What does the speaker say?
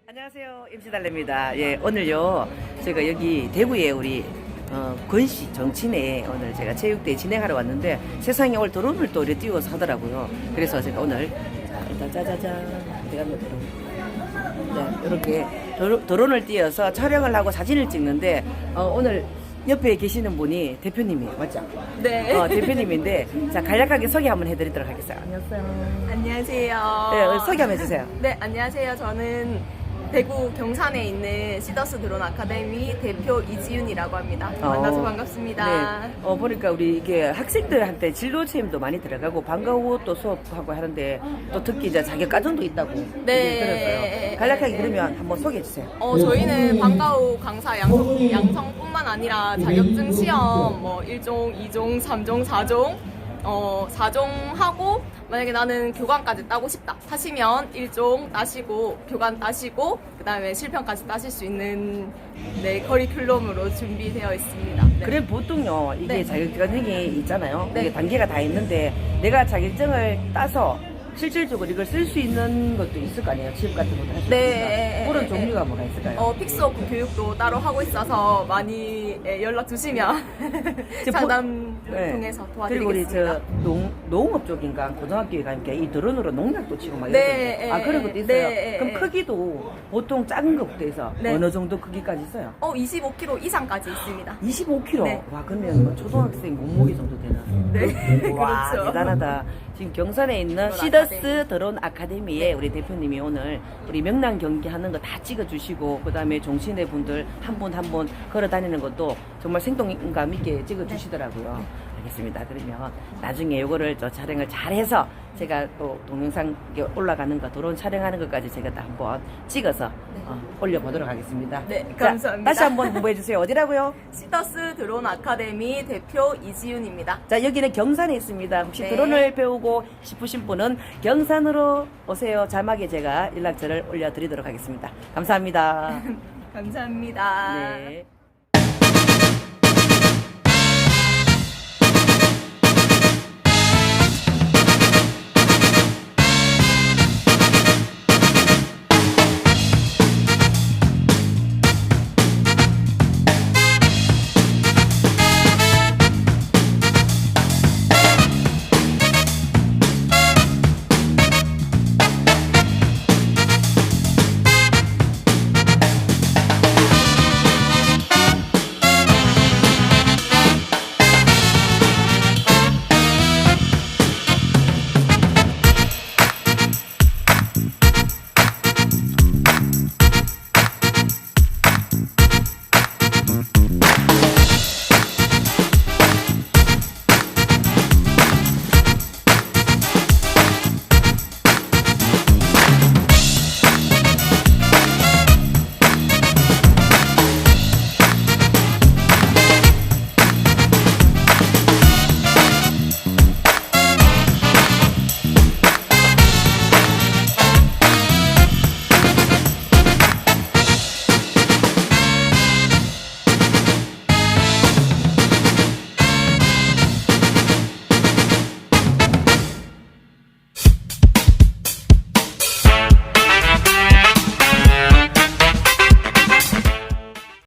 안녕하세요. MC 달래입니다. 예, 오늘요, 제가 여기 대구에 우리, 권씨 정치내 오늘 제가 체육대회 진행하러 왔는데 세상에 오늘 드론을 또 이렇게 띄워서 하더라고요. 그래서 제가 오늘, 자, 일단 짜자잔. 어디 갔나, 드론. 네, 이렇게 드론을 띄워서 촬영을 하고 사진을 찍는데, 오늘 옆에 계시는 분이 대표님이에요. 맞죠? 네. 대표님인데, 자, 간략하게 소개 한번 해드리도록 하겠습니다. 안녕하세요. 안녕하세요. 네, 소개 한번 해주세요. 네, 안녕하세요. 저는 대구 경산에 있는 시더스 드론 아카데미 대표 이지윤이라고 합니다. 만나서 반갑습니다. 네. 보니까 우리 이게 학생들한테 진로 체험도 많이 들어가고 방과 후 또 수업하고 하는데 또 특히 이제 자격 과정도 있다고 네. 들었어요. 간략하게 그러면 한번 소개해 주세요. 저희는 방과 후 강사 양성뿐만 아니라 자격증 시험 뭐 1종, 2종, 3종, 4종 4종 하고 만약에 나는 교관까지 따고 싶다 하시면 1종 따시고 교관 따시고 그 다음에 실평까지 따실 수 있는 커리큘럼으로 준비되어 있습니다. 네. 그래 보통요 이게 네. 자격증이 있잖아요. 네. 이게 단계가 다 있는데 내가 자격증을 따서 실질적으로 이걸 쓸 수 있는 것도 있을 거 아니에요. 취업 같은 것도 할 수 네. 있으니까 그런 종류가 뭐가 있을까요? 픽스워크 교육도 따로 하고 있어서 많이 연락 주시면 상담 네. 통해서 그리고 우리 도와드리겠습니다. 농업 쪽인가 고등학교에 가니까 이 드론으로 농약도 치고 막 네, 이러던데. 그런 것도 있어요. 네, 그럼 네. 크기도 보통 작은 것부터 해서 네. 어느 정도 크기까지 있어요? 25kg 이상까지 있습니다. 25kg. 네. 와 그러면 뭐 초등학생 몸무게 정도 되나? 네, 와 그렇죠. 대단하다. 지금 경산에 있는 드론 시더스 드론 아카데미에 우리 대표님이 오늘 우리 명랑 경기 하는 거 다 찍어주시고 그다음에 종신회 분들 한 분 한 분 걸어 다니는 것도 정말 생동감 있게 찍어주시더라고요. 알겠습니다. 그러면 나중에 요거를 저 촬영을 잘해서 제가 또 동영상 올라가는 거 드론 촬영하는 것까지 제가 다 한번 찍어서 올려보도록 하겠습니다. 네, 자, 감사합니다. 다시 한번 홍보해 주세요. 어디라고요? 시더스 드론 아카데미 대표 이지윤입니다. 자, 여기는 경산에 있습니다. 혹시 네. 드론을 배우고 싶으신 분은 경산으로 오세요. 자막에 제가 연락처를 올려드리도록 하겠습니다. 감사합니다. 감사합니다. 네.